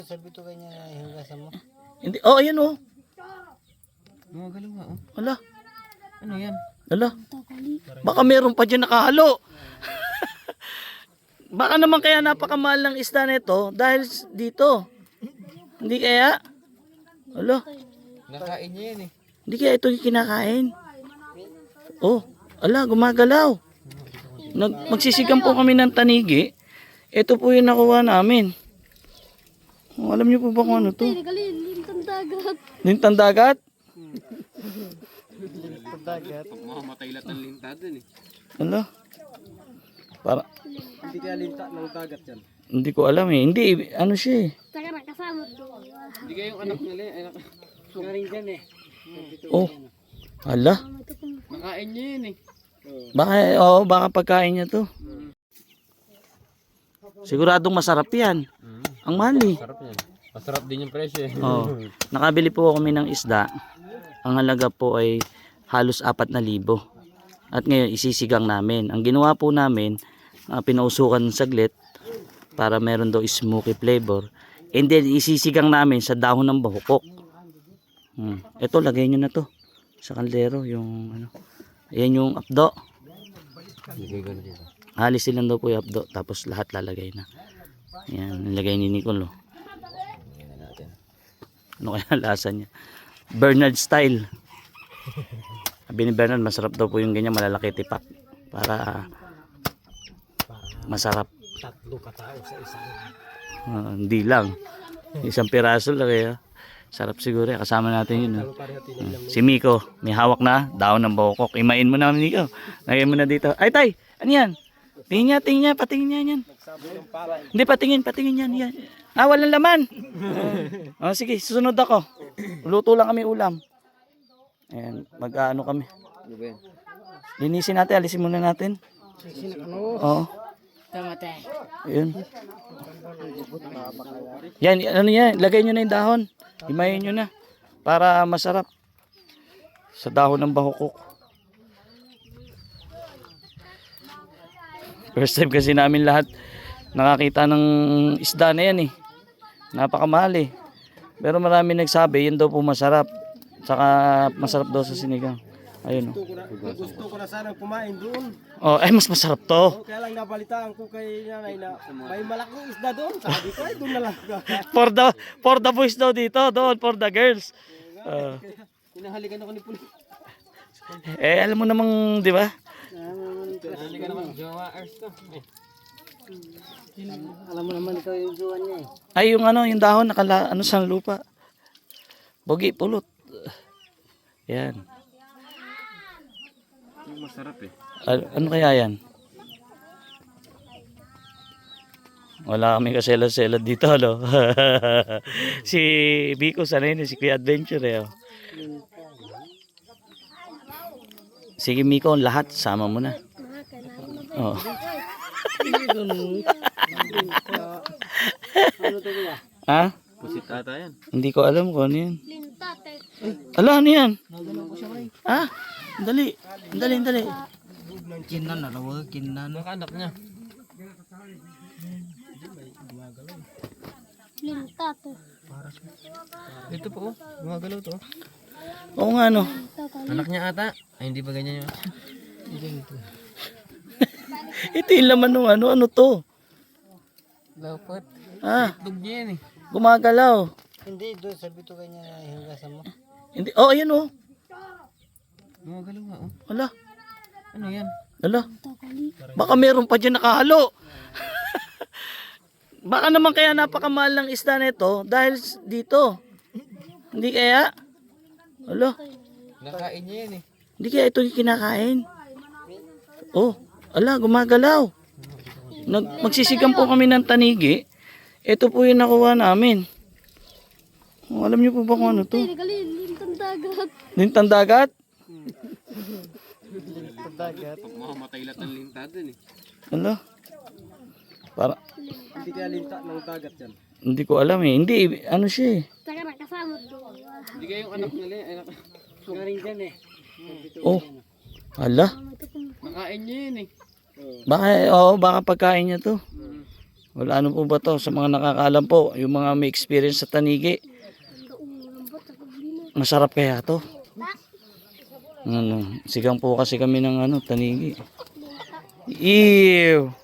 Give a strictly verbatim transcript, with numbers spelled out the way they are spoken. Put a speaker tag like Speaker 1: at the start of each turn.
Speaker 1: Sabi to kanya na hinugasan mo.
Speaker 2: Hindi, oh, ayan oh.
Speaker 3: Mga galaw nga oh.
Speaker 2: Ala,
Speaker 3: Ano yan?
Speaker 2: ala. Baka meron pa dyan nakahalo. Baka naman kaya napakamahal ng isda nito dahil s- dito. Hindi kaya? Ala,
Speaker 3: Nakain niya yan eh.
Speaker 2: hindi kaya ito yung kinakain. Oh, ala, gumagalaw. Nag magsisigang po kami ng tanigi. Ito po yung nakuha namin. Oh, alam niyo po ba kung ano to?
Speaker 4: Lintang dagat.
Speaker 2: Lintang dagat?
Speaker 1: Dagat.
Speaker 3: Mamamatay lahat ng linta dun eh.
Speaker 2: Ala. Para,
Speaker 1: Hindi kaya linta ng dagat yan.
Speaker 2: hindi ko alam eh. Hindi, ano siya eh.
Speaker 4: Saka nakasama doon.
Speaker 3: Hindi kayong anak nila eh. Anak.
Speaker 1: Galing dyan eh.
Speaker 2: Oh, ala.
Speaker 3: Nakain niya yan eh.
Speaker 2: Baka, oo, baka pagkain niya to. Siguradong masarap yan. Ang mahal eh.
Speaker 3: Sarap yan. Masarap din yung presyo eh.
Speaker 2: Oh, nakabili po kami ng isda. Ang halaga po ay halos apat na libo. At ngayon isisigang namin. Ang ginawa po namin, uh, pinausukan saglit para meron daw smoky flavor. And then isisigang namin sa dahon ng bahukok. Hmm. Ito, lagay nyo na to sa kaldero. Yung ano. Ayan yung apdo.
Speaker 3: Bigay ko na dito.
Speaker 2: Halisin lang daw po yung apdo. Tapos lahat lalagay na. Ayan, nilagay ni Nicole. Oh. Ano kaya lasa niya? Bernard style. Sabi ni Bernard, masarap daw po yung ganyan, malalaki tipak. Para masarap.
Speaker 1: Tatlo katao sa isang.
Speaker 2: Uh, hindi lang. Isang piraso lang kaya. Sarap siguro. Kasama natin yun. Oh. Uh, si Miko, may hawak na daon ng bokok. Imain mo na, Miko. Lagay mo na dito. Ay, tay! Ano yan? Tingin niya, tingin niya. Patingin niya yan. Hindi, patingin, patingin yan. yan. Ah, walang laman. Oh, sige, susunod ako. Luto lang kami ulam. Ayan, mag-ano kami.
Speaker 3: Ano ba yan?
Speaker 2: Linisin natin, alisin muna natin. Oo.
Speaker 4: Tama tayo.
Speaker 2: Ayun. Yan, ano yan, lagay nyo na yung dahon. Himayin nyo na. Para masarap. Sa dahon ng bahukok. First time kasi namin lahat nakakita ng isda na yan eh. Napakamahal eh. Pero marami nagsabi, yun daw po masarap. Saka masarap daw sa sinigang. Ayun
Speaker 1: Gusto ko na, gusto ko na sana kumain doon.
Speaker 2: oh. Oh, ay mas masarap to.
Speaker 1: Oh, kaya lang nabalitaan ko kay nanay na may malaking isda doon. Sabi ko ay doon na lang.
Speaker 2: For the for the boys daw dito, doon for the girls. Uh,
Speaker 3: Hinahalikan ako ni Pulis.
Speaker 2: eh alam mo namang, 'di ba?
Speaker 3: Hinahalikan ako ng Jawa Ars to. Eh.
Speaker 1: Alam mo naman ikaw yung juwan niya eh.
Speaker 2: Ay yung ano, yung dahon nakala ano sa lupa. Bogi pulot. Yan.
Speaker 3: Yung masarap eh.
Speaker 2: Al- ano kaya yan? Wala kami kasela-sela dito, no? Si Biko, sanay na si Kuya Adventure, eh. Oh. Sige, Miko, lahat, sama mo na. Oh.
Speaker 1: Ano to kuya?
Speaker 2: Ha?
Speaker 3: Pusit ata yan.
Speaker 2: Hindi ko alam kung ano yan.
Speaker 4: Linta tayo.
Speaker 2: Ala, ano yan? Ha? Dali, dali, dali.
Speaker 1: Kinan na raw, kinan.
Speaker 3: Nakanak niya.
Speaker 4: Linta tayo.
Speaker 3: Ito po oh. Gumagalaw to.
Speaker 2: Oo nga, no.
Speaker 3: Anak niya ata. Ay hindi ba ganyan yun?
Speaker 2: Ito yung laman ng ano, ano to?
Speaker 3: Lapot.
Speaker 2: Ah,
Speaker 3: Dug niya yan eh.
Speaker 2: gumagalaw.
Speaker 1: Hindi doon sabi to kanya na hinugasan mo.
Speaker 2: Hindi, oh, ayan oh.
Speaker 3: Gumagalaw nga oh.
Speaker 2: Ala,
Speaker 3: Ano yan?
Speaker 2: ala. Baka meron pa dyan nakahalo. Baka naman kaya napakamahal ng isda nito dahil s- dito. Hindi kaya? Ala,
Speaker 3: Nakain niya yan eh.
Speaker 2: hindi kaya ito yung kinakain. Oh, ala, gumagalaw. Nag magsisigang po kami ng tanigi. Ito po yung nakuha namin. Oh, alam niyo po ba kung ano to?
Speaker 4: Lintang dagat.
Speaker 2: Lintang dagat?
Speaker 1: Dagat.
Speaker 3: Mamamatay lahat ng linta dun eh.
Speaker 2: Ala. Para,
Speaker 1: Hindi kaya linta ng dagat yan.
Speaker 2: hindi ko alam eh. Hindi, ano siya eh.
Speaker 4: Saka nakasama doon.
Speaker 3: Hindi kayong anak nila eh. Anak.
Speaker 1: Galing dyan eh.
Speaker 2: Oh, ala.
Speaker 3: Nakain niya yan eh.
Speaker 2: Baka, oo, baka pagkain niya to. Wala ano po ba to sa mga nakakaalam po, yung mga may experience sa tanigi. Masarap kaya to? Ano, sigang po kasi kami ng ano, tanigi. Ew!